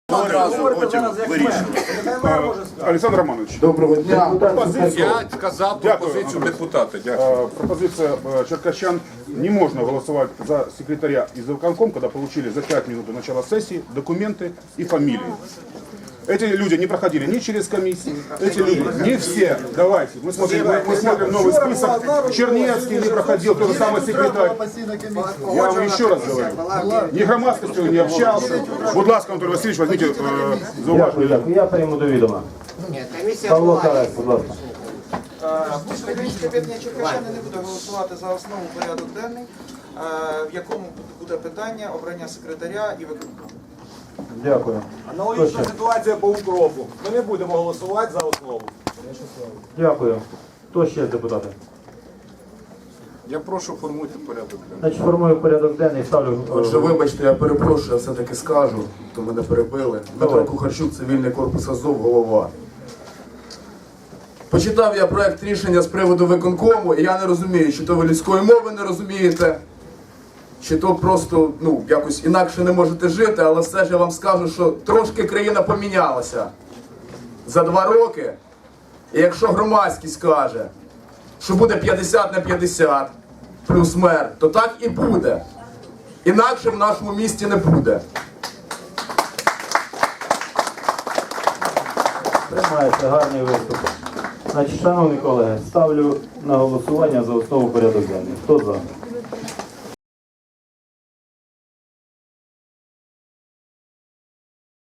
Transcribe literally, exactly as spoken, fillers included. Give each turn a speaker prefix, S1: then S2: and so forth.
S1: Одразу потім вирішувати.
S2: Олександр Романович,
S3: Доброго дня.
S1: Я сказав пропозицію депутата. Дякую.
S2: э, пропозиция э, черкащан: не можно голосовать за секретаря и за виконком, когда получили за пять минут до начала сессии документы и фамилии. Эти люди не проходили ни через комиссию, эти люди, не все. Давайте, мы смотрим, мы, мы смотрим новый список. Чернецкий не проходил, тот же самый секретарь. Я вам еще раз говорю, ни громадскостью не общался. Будь ласка, Анатолий Васильевич, возьмите э,
S4: Дякую,
S2: зауваження.
S4: дякую. Я прийму до відома.
S5: Ні, комісія
S4: Павло
S5: була.
S4: Карась, будь ласка.
S6: Українське об'єднання Черкащани не буде голосувати за основу порядок денний, е, в якому буде питання обрання секретаря і виконкому.
S4: Дякую.
S7: Аналогічна ситуація по укропу. Ми не будемо голосувати за основу.
S4: Дякую. Хто ще з депутатів?
S1: Я прошу формуйте порядок денний.
S4: Значить, формую порядок денний, ставлю.
S3: Отже, вибачте, я перепрошую, я все-таки скажу, то мене перебили. Дмитро
S4: Давай.
S3: Кухарчук, цивільний корпус Азов, голова. Почитав я проект рішення з приводу виконкому, і я не розумію, чи то ви людської мови не розумієте, чи то просто, ну, якось інакше не можете жити, але все ж я вам скажу, що трошки країна помінялася за два роки. І якщо громадськість каже, що буде п'ятдесят на п'ятдесят плюс мер, то так і буде. Інакше в нашому місті не буде.
S4: Приймається гарний виступ. Значить, шановні колеги, ставлю на голосування за основу порядок денний. Хто за?